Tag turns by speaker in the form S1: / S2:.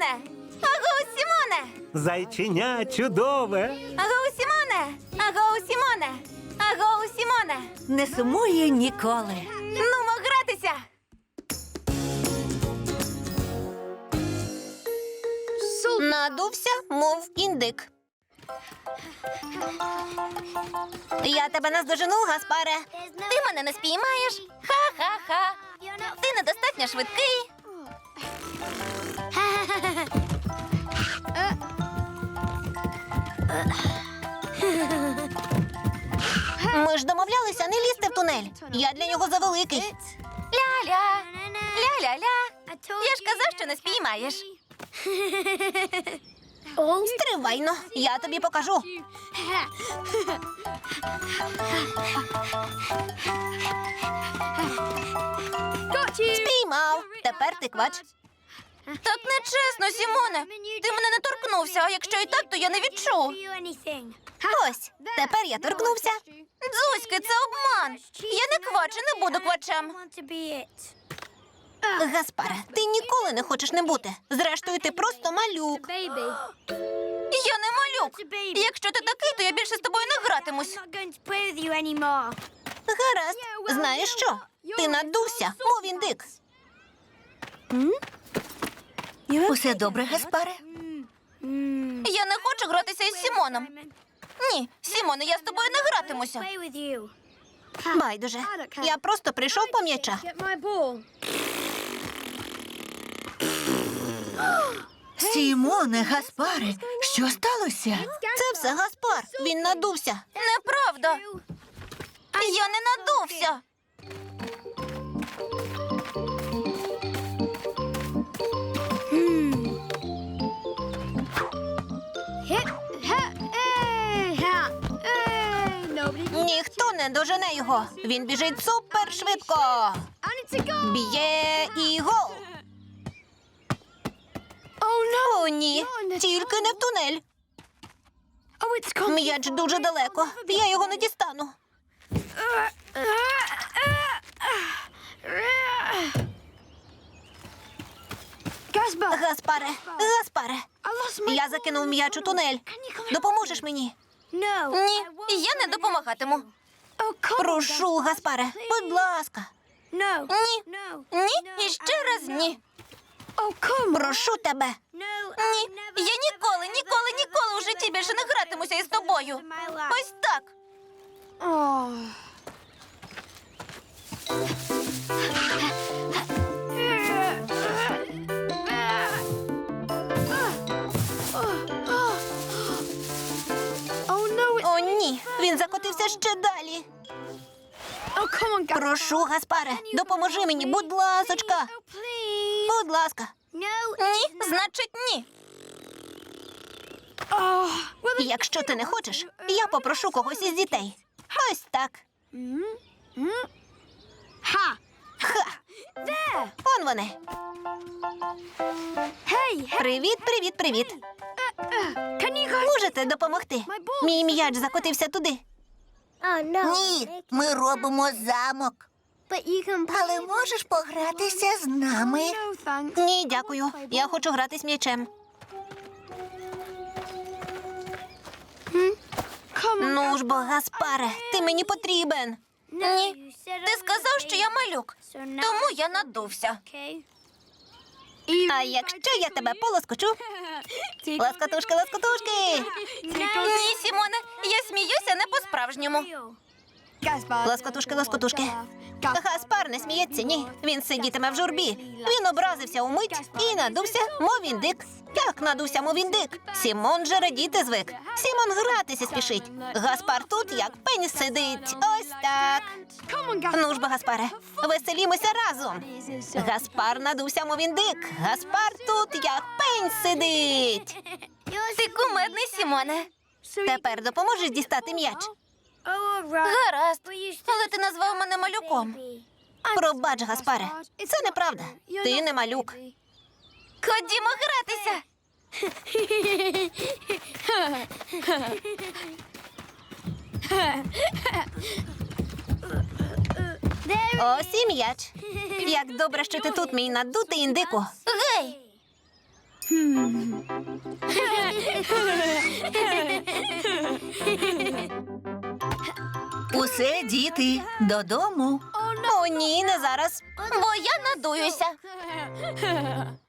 S1: Сімоне! Агоу, Сімоне!
S2: Зайченя чудове.
S1: Агоу, Сімоне! Агоу, Сімоне! Агоу, Сімоне!
S3: Не сумує ніколи.
S1: Нумо гратися!
S3: Надувся, мов індик. Я тебе наздожену, Гаспаре.
S1: Ти мене не спіймаєш? Ха-ха-ха! Ти недостатньо швидкий.
S3: Ми ж домовлялися не лізти в тунель. Я для нього завеликий.
S1: Ля-ля! Ля-ля-ля! Я ж казав, що не спіймаєш.
S3: Стривайно, я тобі покажу. Спіймав. Тепер ти квач.
S1: Так нечесно, Сімоне. Ти мене не торкнувся, а якщо і так, то я не відчув.
S3: Ось, тепер я торкнувся.
S1: Дзузьки, це обман. Я не квач і не буду квачем.
S3: Гаспаре, ти ніколи не хочеш не бути. Зрештою, ти просто малюк.
S1: Я не малюк. Якщо ти такий, то я більше з тобою не гратимусь.
S3: Гаразд. Знаєш що? Ти надувся, мов індик. Усе добре, Гаспаре?
S1: Я не хочу гратися із Сімоном. Ні, Сімоне, я з тобою не гратимуся.
S3: Байдуже. Я просто прийшов по м'яча.
S4: Сімоне, Гаспаре, що сталося?
S3: Це все Гаспар. Він надувся.
S1: Неправда. Я не надувся.
S3: Ніхто не дожене його. Він біжить супершвидко. Б'є і гол. О, ні. Тільки не в тунель. М'яч дуже далеко. Я його не дістану. Гаспаре, Гаспаре. Я закинув м'яч у тунель. Допоможеш мені?
S1: Ні, я не допомагатиму.
S3: Прошу, Гаспаре, будь ласка.
S1: Ні, ні і ще раз ні.
S3: Прошу тебе.
S1: Ні, я ніколи у житті більше не гратимуся із тобою. Ось так.
S3: О, ні, він закотився ще далі. Прошу, Гаспаре, допоможи мені, будь ласочка. Будь ласка.
S1: Ні, значить ні.
S3: Якщо ти не хочеш, я попрошу когось із дітей. Ось так. Ха! Он вони. Привіт, привіт, привіт. Можете допомогти? Мій м'яч закотився туди.
S4: Ні, ми робимо замок. Але можеш погратися з нами?
S3: Ні, дякую. Я хочу грати з м'ячем. Ну ж бо, Гаспаре, ти мені потрібен.
S1: Ні. Ти сказав, що я малюк, тому я надувся.
S3: А якщо я тебе полоскочу? Ласкотушки, ласкотушки!
S1: Ні, Сімоне, я сміюся не по-справжньому.
S3: Ласкотушки, ласкотушки. Гаспар не сміється, ні. Він сидітиме в журбі. Він образився умить і надувся, мов індик. Як надувся, мов індик? Сімон же радіти звик. Сімон гратися спішить. Гаспар тут, як пень сидить. Ось так. Ну ж бо, Гаспаре, веселімося разом. Гаспар надувся, мов індик. Гаспар тут, як пень сидить.
S1: Ти кумедний, Сімоне.
S3: Тепер допоможеш дістати м'яч?
S1: Гаразд, але ти назвав мене малюком.
S3: Пробач, Гаспаре, це неправда. Ти не малюк.
S1: Ходімо гратися.
S3: Ось і м'яч. Як добре, що ти тут, мій надутий індику.
S1: Гей!
S4: Усе, діти, додому.
S3: О, ні, не зараз.
S1: Бо я надуюся.